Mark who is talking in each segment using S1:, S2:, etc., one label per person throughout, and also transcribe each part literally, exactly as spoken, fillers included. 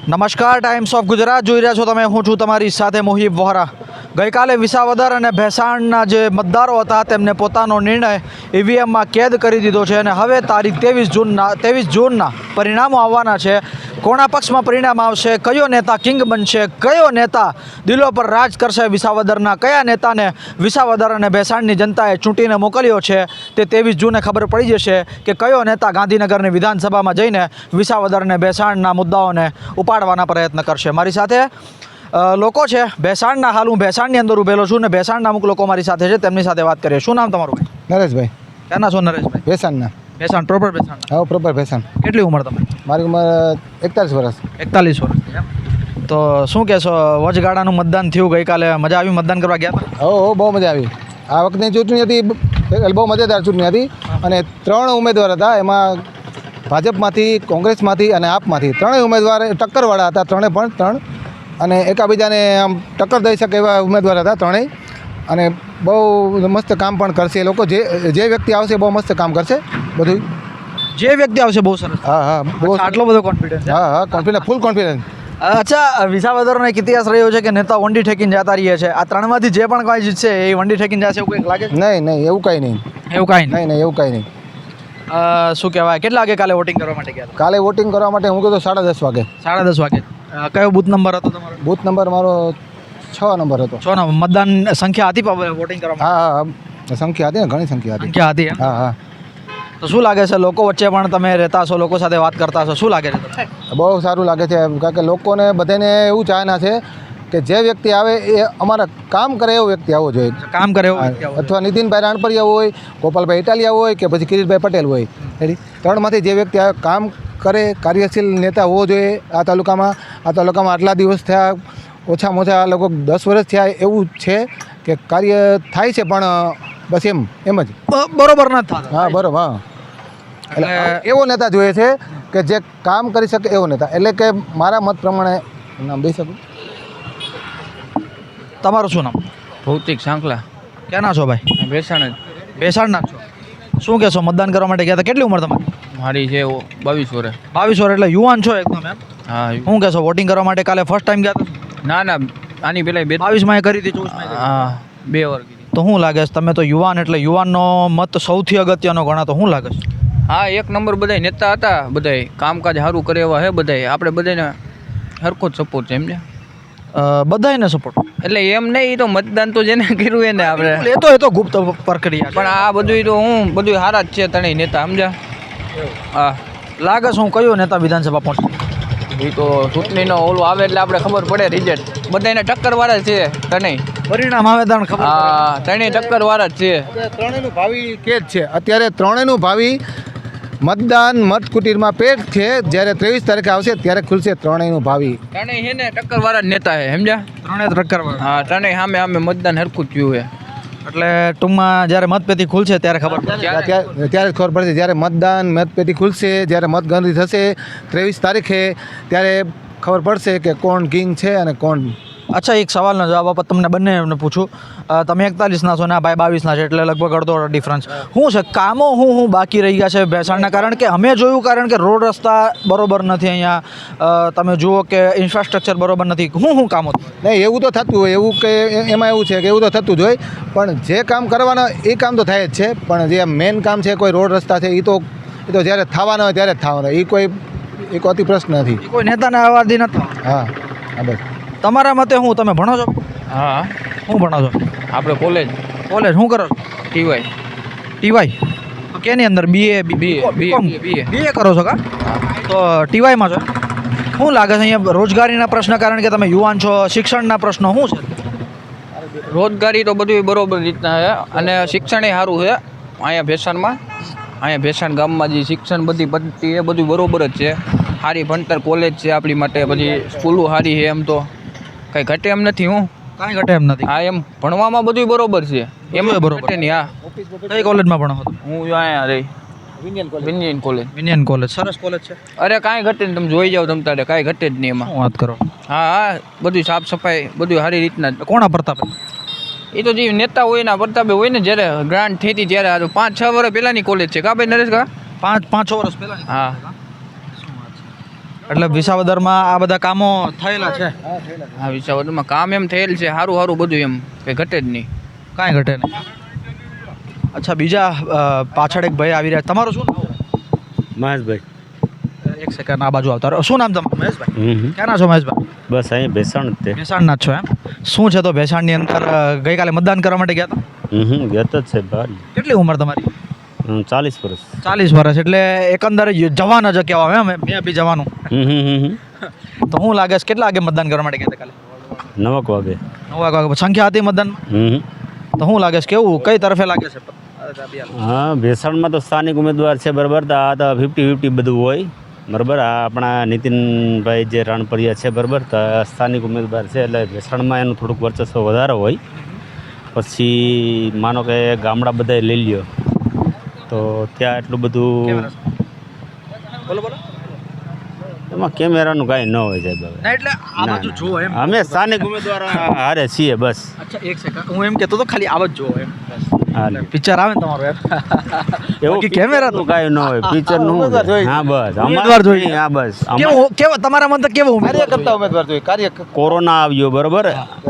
S1: નમસ્કાર, times of Gujarat જોઈ રહ્યા છો તમે. હું છું તમારી સાથે મોહિબ વોહરા. ગઈકાલે વિસાવદર અને ભેસાણના જે મતદારો હતા તેમને પોતાનો નિર્ણય ઈવીએમમાં કેદ કરી દીધો છે અને હવે તારીખ ત્રેવીસ જૂનના ત્રેવીસ જૂનના પરિણામો આવવાના છે. કોના પક્ષમાં પરિણામ આવશે, કયો નેતા કિંગ બનશે, કયો નેતા દિલો પર રાજ કરશે વિસાવદરના, કયા નેતાને વિસાવદર અને ભેસાણની જનતાએ ચૂંટીને મોકલ્યો છે, તે ત્રેવીસ જૂને ખબર પડી જશે કે કયો નેતા ગાંધીનગરની વિધાનસભામાં જઈને વિસાવદર અને ભેસાણના મુદ્દાઓને ઉપાડવાના પ્રયત્ન કરશે. મારી સાથે લોકો છે ભેસાણના. હાલ હું ભેસાણની અંદર ઉભેલો છું ને ભેસાણના અમુક લોકો મારી સાથે છે, તેમની સાથે વાત કરીએ. શું નામ તમારું ભાઈ?
S2: નરેશભાઈ.
S1: ક્યાંના છો નરેશભાઈ?
S2: ભેસાણના.
S1: ભેસાણ પ્રોપર ભેસાણ?
S2: હા, પ્રોપર ભેસાણ.
S1: કેટલી ઉંમર તમારી?
S2: મારી ઉંમર એકતાલીસ વર્ષ.
S1: એકતાલીસ વર્ષ. તો શું કહેશો, વચગાળાનું મતદાન થયું ગઈકાલે, મજા આવી મતદાન કરવા ગયા હતા?
S2: હો હો બહુ મજા આવી. આ વખતની ચૂંટણી હતી બહુ મજેદાર ચૂંટણી હતી અને ત્રણ ઉમેદવાર હતા. એમાં ભાજપમાંથી, કોંગ્રેસમાંથી અને આપમાંથી ત્રણેય ઉમેદવાર ટક્કરવાળા હતા. ત્રણે પણ ત્રણ અને એકાબીજાને આમ ટક્કર દઈ શકે એવા ઉમેદવાર હતા ત્રણેય. અને બહુ મસ્ત કામ પણ કરશે એ લોકો. જે જે વ્યક્તિ આવશે બહુ મસ્ત કામ કરશે બધું.
S1: જે વ્યક્તિ આવશે બહુ સરસ.
S2: હા હા બહુ
S1: આટલો બધો કોન્ફિડન્સ?
S2: હા હા કોન્ફિડન્સ, ફૂલ કોન્ફિડન્સ.
S1: અચ્છા, વિસાવદરનો એક ઇતિહાસ રહ્યો છે કે નેતા વંડી ઠેકીને જતા રહીએ છે. આ ત્રણમાંથી જે પણ કોઈ જીતશે એ વંડી ઠેકીને જશે એવું કંઈક લાગે?
S2: નહીં નહીં એવું કાંઈ નહીં.
S1: એવું કાંઈ
S2: નહીં નહીં એવું કાંઈ નહીં.
S1: શું કહેવાય, કેટલા વાગે કાલે વોટિંગ કરવા માટે ગયા હતા?
S2: કાલે વોટિંગ કરવા માટે હું કીધું સાડા દસ વાગે.
S1: સાડા દસ વાગે. કયો બૂથ નંબર હતો તમારો?
S2: બૂથ નંબર મારો છ નંબર હતો.
S1: છ નંબર. મતદાન સંખ્યા હતી વોટિંગ કરવા?
S2: હા હા સંખ્યા હતી ને, ઘણી સંખ્યા હતી.
S1: સંખ્યા હતી?
S2: હા હા.
S1: તો શું લાગે છે, લોકો વચ્ચે પણ તમે રહેતા હશો, લોકો સાથે વાત કરતા હશો, શું લાગે છે?
S2: બહુ સારું લાગે છે, કારણ કે લોકોને બધાને એવું ચાહના છે કે જે વ્યક્તિ આવે એ અમારા કામ કરે એવો વ્યક્તિ આવવો જોઈએ.
S1: કામ કરે એવો?
S2: અથવા નીતિનભાઈ રાણપરિયા હોય, ગોપાલભાઈ ઇટાલિયા હોય કે પછી કિરીટભાઈ પટેલ હોય. એની ત્રણમાંથી જે વ્યક્તિ આવે, કામ કરે, કાર્યશીલ નેતા હોવો જોઈએ આ તાલુકામાં. આ તાલુકામાં આટલા દિવસ થયા, ઓછામાં ઓછા આ લોકો દસ વર્ષ થયા એવું છે કે કાર્ય થાય છે પણ બસ એમ એમ જ
S1: બરોબર નથી થતું.
S2: હા બરોબર. હા એટલે એવો નેતા જોઈએ છે કે જે કામ કરી શકે એવો નેતા. એટલે કે મારા મત પ્રમાણે નામ દઈ શકું.
S1: તમારું શું નામ?
S3: ભૌતિક સાંકલા.
S1: ક્યાંના છો ભાઈ?
S3: ભેસાણ જ.
S1: ભેસાણના છો. શું કહેશો, મતદાન કરવા માટે ગયા હતા? કેટલી ઉંમર તમારી?
S3: મારી છે બાવીસ વર્ષ.
S1: બાવીસ વર્ષ એટલે યુવાન છો એકદમ એમ?
S3: હા.
S1: શું કહેશો, વોટિંગ કરવા માટે કાલે ફર્સ્ટ ટાઈમ ગયા હતા?
S3: ના ના, આની પેલા બે
S1: બાવીસમાં એ કરી હતી, ચોવીસમાં?
S3: હા, બે વાર કીધી.
S1: તો શું લાગે છે, તમે તો યુવાન એટલે યુવાનનો મત સૌથી અગત્યનો ગણાતો, શું લાગે છે?
S3: હા, એક નંબર બધાય નેતા હતા, બધાય કામકાજ સારું કરે એવા હે બધાય. આપણે બધાને સરખો જ સપોર્ટ છે એમને.
S1: બધાને સપોર્ટ
S3: એટલે એમ નહીં, એ તો મતદાન તો જેને કર્યું એને આપણે.
S1: એ તો એ તો ગુપ્ત પ્રક્રિયા.
S3: પણ આ બધું તો હું બધું સારા જ છે ત્રણેય નેતા, સમજ્યા? હા.
S1: લાગે છે હું કયો નેતા વિધાનસભા પહોંચશે?
S3: એ તો ચૂંટણીનો ઓલું આવે એટલે આપણે ખબર પડે રિઝલ્ટ. બધાને ટક્કર વાળા જ છે ત્રણેય.
S1: પરિણામ આવે ત્યારે ખબર.
S3: હા, ત્રણેય ટક્કર વાળા જ છે.
S2: ત્રણેયનું ભાવિ કે જ છે અત્યારે. ત્રણેયનું ભાવિ મતદાન મતકુટીરમાં પેટ છે. જ્યારે ત્રેવીસ તારીખે આવશે ત્યારે ખુલશે ત્રણેયનું ભાવિ.
S3: ત્રણેય છે ને ટક્કર વાળા જ નેતા છે, સમજ્યા?
S1: ત્રણે ટક્કર વાળા.
S3: હા, ત્રણેય સામે સામે મતદાન હરખું જ થયું છે.
S1: એટલે ટૂંકમાં જ્યારે મતપેટી ખુલશે ત્યારે ખબર પડશે.
S2: ત્યારે ત્યારે જ ખબર પડશે. જ્યારે મતદાન મતપેટી ખુલશે, જ્યારે મતગણતરી થશે ત્રેવીસ તારીખે, ત્યારે ખબર પડશે કે કોણ કિંગ છે અને કોણ.
S1: અચ્છા, એક સવાલનો જવાબ આપો તમને બંને પૂછું. તમે એકતાલીસના છો ને આ ભાઈ બાવીસના છે, એટલે લગભગ અડધો ડિફરન્સ. શું છે કામો હું હું બાકી રહી ગયા છે ભેસાણના? કારણ કે અમે જોયું, કારણ કે રોડ રસ્તા બરોબર નથી અહીંયા. તમે જુઓ કે ઇન્ફ્રાસ્ટ્રક્ચર બરોબર નથી. હું શું કામો?
S2: નહીં, એવું તો થતું હોય, એવું કે એમાં એવું છે કે એવું તો થતું જ હોય. પણ જે કામ કરવાના એ કામ તો થાય જ છે. પણ જે મેઇન કામ છે, કોઈ રોડ રસ્તા છે, એ તો એ તો જ્યારે થવાના હોય ત્યારે જ થવાના. એ કોઈ એ કોઈ અતિ પ્રશ્ન નથી.
S1: કોઈ નેતાને આવાદી નથી.
S2: હા હા બસ.
S1: તમારા મતે હું, તમે ભણો છો?
S3: હા.
S1: શું ભણો છો?
S3: આપણે કોલેજ.
S1: કોલેજ શું કરો છો?
S3: ટીવાય.
S1: ટીવાય? કેની અંદર? BA?
S3: BA BA BA
S1: BA કરો છો કા? તો ટીવાયમાં છો. શું લાગે છે અહીંયા રોજગારીના પ્રશ્ન, કારણ કે તમે યુવાન છો, શિક્ષણના પ્રશ્નો શું છે?
S3: રોજગારી તો બધું બરોબર રીતના છે અને શિક્ષણ એ સારું છે અહીંયા ભેસાણમાં. અહીંયા ભેસાણ ગામમાં જે શિક્ષણ બધી પદ્ધતિ એ બધું બરોબર જ છે. સારી ભણતર કોલેજ છે આપણી માટે, પછી સ્કૂલો સારી છે. એમ તો કંઈ ઘટે એમ નથી. હું
S1: કાંઈ ઘટે એમ નથી.
S3: હા, એમ ભણવામાં બધું બરોબર છે. એમ
S1: બરોબર
S3: ઘટે નહીં. હા.
S1: કઈ કોલેજમાં ભણો છો?
S3: હું અહીંયા રહી વિનિયન કોલેજ.
S1: વિનિયન કોલેજ સરસ કોલેજ છે.
S3: અરે કાંઈ ઘટે નહીં, તમે જોઈ જાઓ તમ તારે, કાંઈ ઘટે જ નહીં એમાં.
S1: શું વાત કરો?
S3: હા હા, બધું સાફ સફાઈ બધું સારી રીતના જ.
S1: કોના પ્રતાપ?
S3: એ તો જે નેતા હોય એના પ્રતાપે હોય ને. જ્યારે ગ્રાન્ટ થઈ હતી ત્યારે, આ તો પાંચ છ વર્ષ પહેલાંની કોલેજ છે કા ભાઈ નરેશ કા?
S1: પાંચ પાંચ છ વર્ષ પહેલાં.
S3: હા.
S1: એટલે વિસાવદરમાં આ બધા કામો થયેલા છે,
S3: આ વિસાવદરમાં કામ એમ થયેલ છે સારું સારું બધું એમ કે ઘટે જ નહીં.
S1: કાંઈ ઘટે નહીં. અચ્છા, બીજા અ, પાછળ એક ભાઈ આવી રહ્યા. તમારું શું નામ?
S4: મહેશભાઈ.
S1: એક સેકન્ડ આ બાજુ આવતા રહો. શું નામ તમારું? મહેશભાઈ.
S4: હમ
S1: ક્યાંના છો મહેશભાઈ?
S4: બસ અહીંયા બેસણ જ તે.
S1: ભેસાણના જ છો એમ? શું છે તો ભેસાણની અંદર અ, ગઈકાલે મતદાન કરવા માટે ગયા હતા?
S4: હમ ગત જ છે બહાર.
S1: કેટલી ઉંમર તમારી?
S4: હમ, ચાલીસ વર્ષ.
S1: ચાલીસ વર્ષ. એટલે એકંદરે જવાન જ કહેવાય એમ. મેં બી જવાનું.
S4: હમ હમ હમ હમ.
S1: તો હું લાગે છે કેટલા વાગે મતદાન કરવા માટે ગયા હતા કાલે?
S4: નવક વાગે.
S1: નવ વાગે સંખ્યા હતી મતદાનમાં?
S4: હમ હમ.
S1: તો શું લાગે છે કેવું કઈ તરફે લાગે છે?
S4: હા, ભેસણમાં તો સ્થાનિક ઉમેદવાર છે બરાબર. તો આ તો ફિફ્ટી ફિફ્ટી બધું હોય બરાબર. આ આપણા નીતિનભાઈ જે રાણપરિયા છે બરાબર, તો આ સ્થાનિક ઉમેદવાર છે એટલે ભેસણમાં એનું થોડુંક વર્ચસ્વ વધારે હોય. પછી માનો કે ગામડા બધા લઈ લ્યો તો ત્યાં એટલું બધું
S1: બોલો બોલો.
S4: એમાં કેમેરાનું કાંઈ ન હોય સાહેબ. હવે
S1: ના એટલે આ બાજુ જુઓ એમ.
S4: અમે સ્થાનિક ઉમેદવાર હારે છીએ બસ.
S1: અચ્છા, એક સેકન્ડ. હું એમ કહેતો તો ખાલી આવ જ જુઓ એમ.
S4: હા,
S1: પિક્ચર આવે ને તમારું એમ.
S4: એવું
S1: બાકી કેમેરાનું
S4: કાંઈ ન હોય, પિક્ચરનું
S2: ઉમેદવાર જોઈએ.
S4: હા બસ
S1: ઉમેદવાર જોઈએ.
S4: હા બસ.
S1: કેવો કેવો તમારા મત કેવો ઉમેદવાર
S2: કાર્યકર્તા ઉમેદવાર જોઈએ. કાર્ય
S4: કોરોના આવ્યો બરાબર,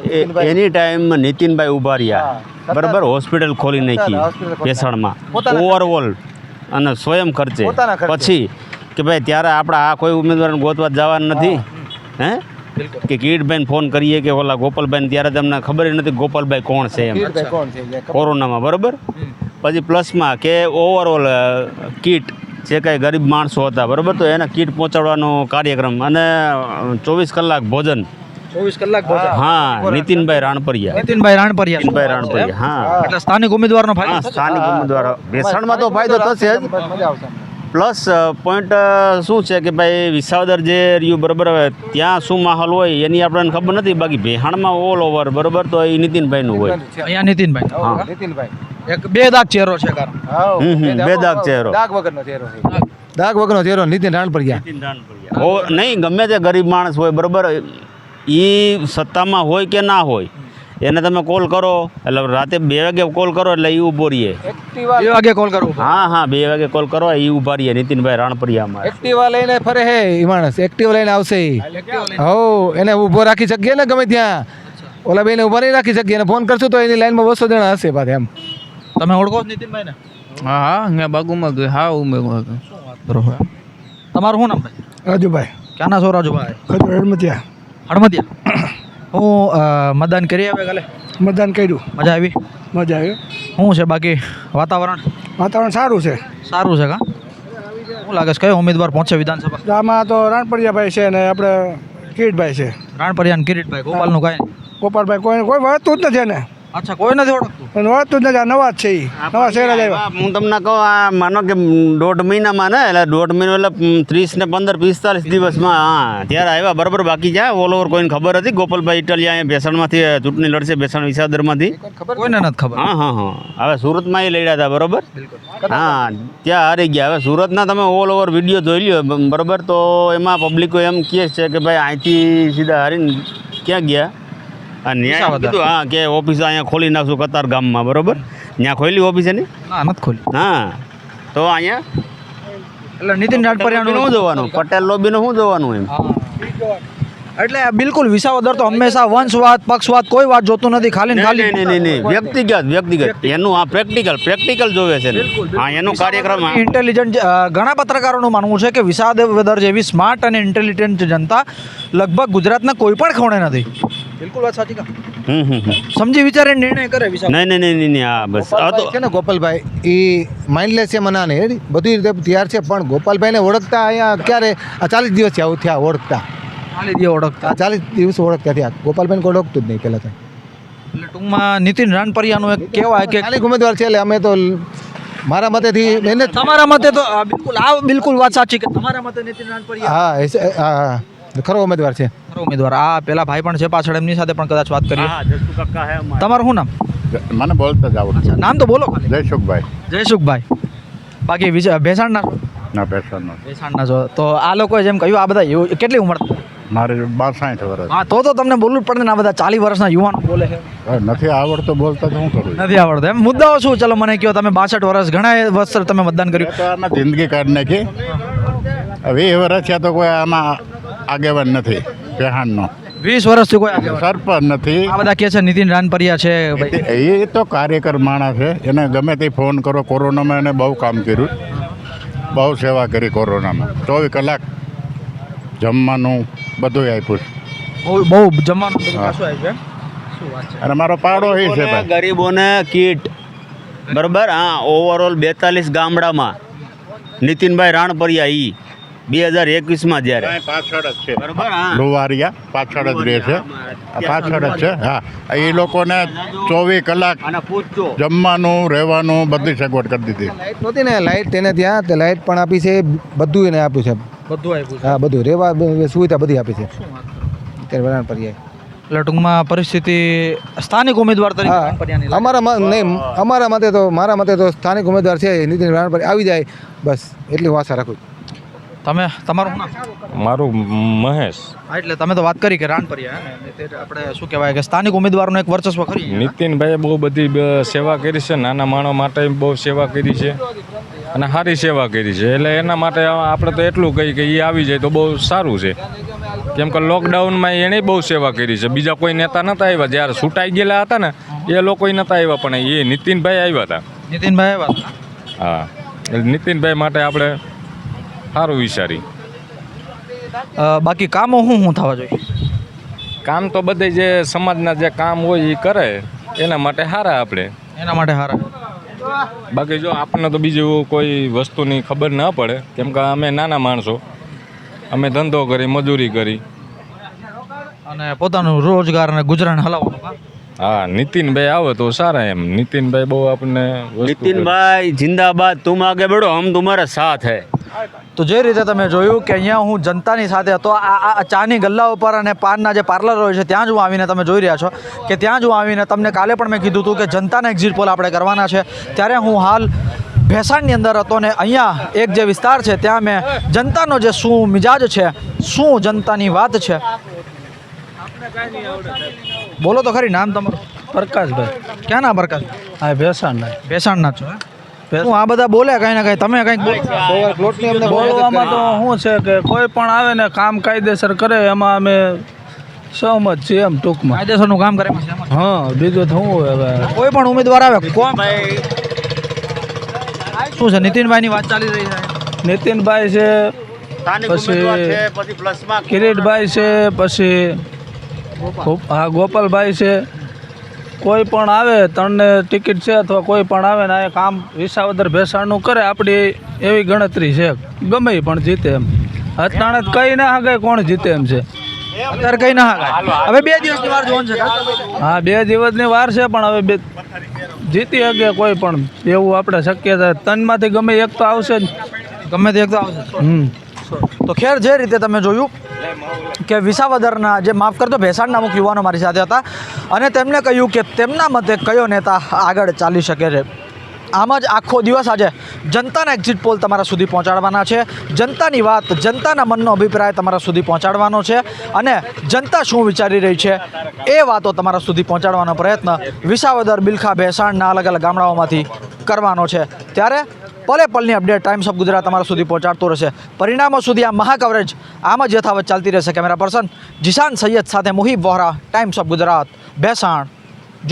S4: એની ટાઈમ નીતિનભાઈ ઉભા રહ્યા બરાબર, હોસ્પિટલ ખોલી નાખી
S2: હોસ્પિટલ ખોલી
S4: ભેસાણમાં
S2: પોતાના
S4: ઓવરઓલ અને સ્વયં ખર્ચે.
S2: પોતાના ખર્ચે.
S4: પછી કે ભાઈ ત્યારે આપણે આ કોઈ ઉમેદવારને ગોતવા જવાનું નથી હે કે કીટભાઈને ફોન કરીએ કે ઓલા ગોપાલભાઈને, ત્યારે તમને ખબર જ નથી ગોપાલભાઈ કોણ છે એમ
S2: કીર્તિભાઈ કોણ છે એ ખબર.
S4: કોરોનામાં બરાબર. પછી પ્લસમાં કે ઓવરઓલ કીટ જે કાંઈ ગરીબ માણસો હતા બરાબર, તો એને કીટ પહોંચાડવાનો કાર્યક્રમ અને ચોવીસ કલાક ભોજન.
S1: ચોવીસ કલાક ભોજન.
S4: હા, નીતિનભાઈ રાણપરિયા.
S1: નીતિનભાઈ રાણપરિયા.
S4: નીતિનભાઈ રાણપરિયા. હા,
S1: એટલે સ્થાનિક ઉમેદવારનો
S4: હા,
S1: ફાયદો થશે?
S4: સ્થાનિક ઉમેદવાર ભેસાણમાં તો ફાયદો થશે જ.
S2: મજા આવશે.
S4: પ્લસ પોઈન્ટ શું છે કે ભાઈ વિસાવદર જે રહ્યું બરાબર, હવે ત્યાં શું માહોલ હોય એની આપણને ખબર નથી. બાકી ભેહાણમાં ઓલ ઓવર બરાબર તો એ નીતિનભાઈનું હોય.
S1: અહીંયા નીતિનભાઈ.
S2: હા, નીતિનભાઈ.
S1: એક બે દાગ ચહેરો છે કારણ.
S2: હા,
S4: હમ, હમ, બે દાગ ચહેરો.
S2: દાગ વગરનો ચહેરો છે. દાગ વગરનો ચહેરો નીતિન રાણપરિયા.
S4: ઓ નહીં, ગમે તે ગરીબ માણસ હોય બરાબર, એ સત્તામાં હોય કે ના હોય, એને તમે કોલ કરો એટલે રાતે બે વાગે કોલ કરો એટલે એ ઊભો રહીએ.
S2: એક્ટિવા
S1: બે વાગે કોલ કરવો.
S4: હા હા, બે વાગે કોલ કરો એ ઊભા રહીએ. નીતિનભાઈ રાણપરિયામાં
S2: એક્ટિવા લઈને ફરે હે એ માણસ. એક્ટિવા લઈને આવશે ઈ. હો, એને ઊભો રાખી શકીએ ને ગમે ત્યાં. ઓલા બેને ઊભા નહીં રાખી શકીએ. એને ફોન કરશું તો એની લાઈનમાં બસો જણા હશે પાછા એમ.
S1: તમે ઓળખો છો નીતિનભાઈ ને?
S3: હા હા, અહીંયા બાગુમાં ગઈ. હા ઉમેદવાર.
S1: શું વાત કરો છો? તમારું શું નામ ભાઈ?
S2: રાજુભાઈ
S1: ક્યાંના છો રાજુભાઈ?
S2: ખજૂર હડમતિયા.
S1: હળમતિયા. હું અ, મતદાન કરી આવે કાલે?
S2: મતદાન કર્યું.
S1: મજા આવી?
S2: મજા આવી.
S1: શું છે બાકી વાતાવરણ?
S2: વાતાવરણ સારું છે.
S1: સારું છે કા? શું લાગે છે કયો ઉમેદવાર પહોંચે વિધાનસભા?
S2: આમાં તો રાણપરિયાભાઈ છે ને આપણે કિરીટભાઈ છે.
S1: રાણપરિયા અને કિરીટભાઈ. ગોપાલનું કાંઈ નહીં?
S2: ગોપાલભાઈ કોઈ કોઈ વળતું જ નથી એને.
S1: અચ્છા, કોઈ નથી ઓળખતું?
S2: અને વળતું જ નથી. આ નવા જ છે એ. નવા શહેર જ આવ્યા.
S4: હું તમને કહું, આ માનો કે દોઢ મહિનામાં ને એટલે દોઢ મહિનો એટલે ત્રીસ ને પંદર પિસ્તાલીસ દિવસમાં હા ત્યારે આવ્યા બરાબર. બાકી જ્યાં ઓલ ઓવર કોઈને ખબર હતી. ગોપાલભાઈ ઇટાલિયા અહીંયા ભેસાણમાંથી ચૂંટણી લડશે, ભેસાણ વિસાવદરમાંથી.
S1: કોઈને નથી ખબર.
S4: હા હા હા, હવે સુરતમાં એ લડ્યા હતા બરાબર. હા, ત્યાં હારી ગયા. હવે સુરતના તમે ઓલ ઓવર વિડીયો જોઈ લ્યો બરાબર, તો એમાં પબ્લિકો એમ કહે છે કે ભાઈ અહીંથી સીધા હારીને ક્યાં ગયા અને ન્યાય
S1: વિસાવદર.
S4: કીધું હા કે ઓફિસ અહીંયા ખોલી નાખશું કતાર ગામમાં બરાબર. ત્યાં ખોલી ઓફિસ એની.
S1: ના, નથી ખોલી.
S4: હા, તો અહીંયા
S1: એટલે નીતિન રાણપરિયાનું
S4: શું જોવાનું? પટેલ લોબીનું શું જોવાનું એમ?
S1: એટલે બિલકુલ વિસાવદર તો હંમેશા વંશવાદ પક્ષવાદ કોઈ વાત જોતું નથી. ખાલી ને ખાલી
S4: નહીં નહીં નહીં, વ્યક્તિગત વ્યક્તિગત એનું આ પ્રેક્ટિકલ પ્રેક્ટિકલ જોવે છે ને. હા, એનું કાર્યક્રમ હા.
S1: ઇન્ટેલિજન્ટ ઘણા પત્રકારોનું માનવું છે કે વિસાવદર જેવી સ્માર્ટ અને ઇન્ટેલિજન્ટ જનતા લગભગ ગુજરાતના કોઈ પણ ખૂણે નથી. બિલકુલ વાત સાચી કા?
S4: હમ હમ હમ.
S1: સમજી વિચારીને નિર્ણય કરે વિસાવદર.
S4: નહીં નહીં નહીં નહીં નહીં, હા બસ આ તો
S2: છે ને ગોપાલભાઈ એ માઇન્ડલેસ છે મનાને એ બધી રીતે તૈયાર છે. પણ ગોપાલભાઈને ઓળખતા અહીંયા ક્યારે આ ચાલીસ દિવસ થયા થયા ઓળખતા.
S1: ખાલી દે ઓળખતા.
S2: આ ચાલીસ દિવસ ઓળખતા થયા. ગોપાલભાઈને કોઈ ઓળખતું જ નહીં પહેલાં તો.
S1: એટલે ટૂંકમાં નીતિન રાણપરિયાનું એક કહેવાય કે
S2: સ્થાનિક ઉમેદવાર છે એટલે અમે તો મારા મતેથી એને જ-
S1: તમારા મતે તો આ બિલકુલ આ બિલકુલ વાત સાચી કે તમારા મતે નીતિન રાણપરિયા
S2: હા એ છે, હા હા ખરો ઉમેદવાર છે.
S1: ખરો ઉમેદવાર. આ પેલા ભાઈ પણ છે પાછળ, એમની સાથે પણ કદાચ વાત કરીએ.
S4: હા જસુ કાકા હે અમારા.
S1: તમારું શું નામ?
S5: મને બોલતા જ આવડતું.
S1: નામ તો બોલો ખાલી.
S5: જયસુખભાઈ
S1: જયસુખભાઈ. બાકી વિજય ભેસાણના છો?
S5: ના પેશનનો
S1: ભેસાણના છો તો આ લોકોએ જેમ કહ્યું આ બધા યુ- કેટલી ઉંમર?
S5: મારે બાસઠ વર્ષ.
S1: હા, તો તો તમને બોલવું જ પડે ને. આ બધા ચાલીસ વર્ષના યુવાનો બોલે છે.
S5: હવે નથી આવડતો બોલતા તો શું કરું?
S1: નથી આવડતું એમ? મુદ્દાઓ શું? ચલો મને કહો. તમે બાસઠ વર્ષ ઘણા વર્ષ તમે મતદાન કર્યું.
S5: મેં તો આમાં જિંદગી કાઢી નાખી વીસ વર્ષ થયા તો કોઈ આમાં આગેવાન નથી પેહાણનો.
S1: વીસ વર્ષથી કોઈ આગેવાન
S5: સરપંચ નથી.
S1: આ બધા કહે છે નીતિન રાનપરિયા છે ભાઈ.
S5: એ તો કાર્યકર માણસ છે, એને ગમે તે ફોન કરો. કોરોનામાં એને બહુ કામ કર્યું, બહુ સેવા કરી કોરોનામાં. ચોવીસ કલાક જમવાનું બધું આપ્યું છે.
S1: બહુ બહુ જમવાનું બધું પાછું આવ્યું છે. શું વાત છે.
S5: અને મારો પાડો એ છે ભાઈ.
S4: ગરીબોને કીટ બરાબર. હા, ઓવરઓલ બેતાલીસ ગામડામાં નીતિનભાઈ રાણપરિયા ઈ બે હજાર એકવીસમાં જ્યારે
S5: પાછળ જ છે
S4: બરાબર. હા,
S5: લુવારિયા પાછળ જ રહે છે, આ પાછળ જ છે. હા, એ લોકોને ચોવીસ કલાક
S4: અને પૂછજો
S5: જમવાનું રહેવાનું બધી સગવડ કરી દીધી.
S2: લાઇટ નહોતી ને, લાઇટ તેને ત્યાં તે લાઇટ પણ આપી છે, બધું એને આપ્યું છે.
S1: બધું આવ્યું છે.
S2: હા, બધું રહેવા બ- સુવિધા બધી આપી છે અત્યારે વરાણ પર્યાય.
S1: એટલે ટૂંકમાં પરિસ્થિતિ સ્થાનિક ઉમેદવાર તરીકે
S2: હા,
S1: રાનપરિયાની લાગે.
S2: અમારા મત નહીં, અમારા મતે તો મારા મતે તો સ્થાનિક ઉમેદવાર છે નીતિન રાણપર આવી જાય બસ એટલી હું આશા રાખું.
S1: તમે તમારું શું નામ?
S6: મારું મહેશ.
S1: હા, એટલે તમે તો વાત કરી કે રાનપરિયા હે ને, તે આપણે શું કહેવાય કે સ્થાનિક ઉમેદવારોનું એક વર્ચસ્વ ખરી.
S6: નીતિનભાઈએ બહુ બધી બ- સેવા કરી છે, નાના માણસો માટે બહુ સેવા કરી છે અને સારી સેવા કરી છે. એટલે એના માટે આપણે તો એટલું કહીએ કે એ આવી જાય તો બહુ સારું છે. કેમ કે લોકડાઉનમાં એણે બહુ સેવા કરી છે. બીજા કોઈ નેતા નહોતા આવ્યા, જ્યારે છૂટાઈ ગયેલા હતા ને એ લોકો નહોતા આવ્યા, પણ એ નીતિનભાઈ આવ્યા હતા.
S1: નીતિનભાઈ વાત
S6: હા, એટલે નીતિનભાઈ માટે આપણે સારું વિચારી.
S1: બાકી કામો શું શું થવા જોઈએ?
S6: કામ તો બધે જે સમાજના જે કામ હોય એ કરે, એના માટે સારા આપણે.
S1: એના માટે હારા.
S6: બાકી જો આપણને તો બીજું કોઈ વસ્તુની ખબર ના પડે, કેમ કે અમે નાના માણસો, અમે ધંધો કરી, મજૂરી કરી.
S1: અને પોતાનું રોજગાર અને ગુજરાન હલાવવાનું કામ.
S6: હા, નીતિનભાઈ આવે તો સારા એમ. નીતિનભાઈ બહુ આપણને વસ્તુ કરે.
S4: નીતિનભાઈ જિંદાબાદ, તુમ આગે બઢો, હમ તુમ્હારા સાથ હૈ.
S1: તો જે રીતે તમે જોયું કે અહીંયા હું જનતાની સાથે હતો, આ આ ચાની ગલ્લા ઉપર અને પાનના જે પાર્લર હોય છે ત્યાં જ હું આવીને તમે જોઈ રહ્યા છો કે ત્યાં જ હું આવીને તમને કાલે પણ મેં કીધું હતું કે જનતાના એક્ઝિટ પોલ આપણે કરવાના છે. ત્યારે હું હાલ ભેસાણની અંદર હતો ને અહીંયા એક જે વિસ્તાર છે ત્યાં મેં જનતાનો જે શું મિજાજ છે, શું જનતાની વાત છે. બોલો તો ખરી, નામ તમારું?
S7: પ્રકાશભાઈ.
S1: ક્યાં ના પ્રકાશ?
S7: હા, ભેસાણના.
S1: ભેસાણના છો હે? હું આ બધા બોલે કંઈ ના કંઈ, તમે કંઈક બોલો.
S2: પ્લોટની અમને બહુ
S7: બોલવામાં તો શું છે કે કોઈ પણ આવે ને કામ કાયદેસર કરે એમાં અમે સહમત છીએ એમ ટૂંકમાં.
S1: કાયદેસરનું કામ કરે છે એમાં.
S7: હા, બીજું તો શું હોય હવે.
S1: કોઈ પણ ઉમેદવાર આવે કોણ શું છે? નીતિનભાઈની વાત ચાલી રહી છે.
S7: નીતિનભાઈ છે,
S4: સ્થાનિક
S7: પછી-
S4: ઉમેદવાર છે, પછી પ્લસમાં
S7: કિરીટભાઈ છે, પછી ગોપ- હા ગોપાલભાઈ છે. કોઈ પણ આવે, ત્રણને ટિકિટ છે અથવા કોઈ પણ આવે ને આ કામ વિસાવદર ભેસાણનું કરે, આપણી એવી ગણતરી છે. ગમે ઈ પણ જીતે એમ. અત્યારે જ કઈ ના હગાય કોણ જીતે એમ છે.
S1: અત્યારે કઈ ના હાલે. હવે બે દિવસની વાર જોવાનું છે કાકા.
S7: હા, બે દિવસની વાર છે પણ હવે બે જીતી શકે કોઈ પણ એવું આપણે શક્યતા. ત્રણમાંથી ગમે એક તો આવશે જ.
S1: ગમે તે એક તો આવશે.
S7: હમ
S1: તો ખેર જે રીતે તમે જોયું કે વિસાવદરના જે માફ કરતો ભેસાણના અમુક યુવાનો મારી સાથે હતા અને તેમણે કહ્યું કે તેમના મતે કયો નેતા આગળ ચાલી શકે છે. આમ જ આખો દિવસ આજે જનતાના એક્ઝિટ પોલ તમારા સુધી પહોંચાડવાના છે. જનતાની વાત, જનતાના મનનો અભિપ્રાય તમારા સુધી પહોંચાડવાનો છે અને જનતા શું વિચારી રહી છે એ વાતો તમારા સુધી પહોંચાડવાનો પ્રયત્ન વિસાવદર, બિલખા, ભેસાણના અલગ અલગ ગામડાઓમાંથી કરવાનો છે. ત્યારે પલે પલની અપડેટ ટાઈમ્સ ઓફ ગુજરાત તમારા સુધી પહોંચાડતો રહેશે. પરિણામો સુધી આ મહા કવરેજ આમ જ યથાવત ચાલતી રહેશે. કેમેરા પર્સન જીશાન સૈયદ સાથે મુહિબ વોહરા, ટાઈમ્સ ઓફ ગુજરાત, ભેસાણ.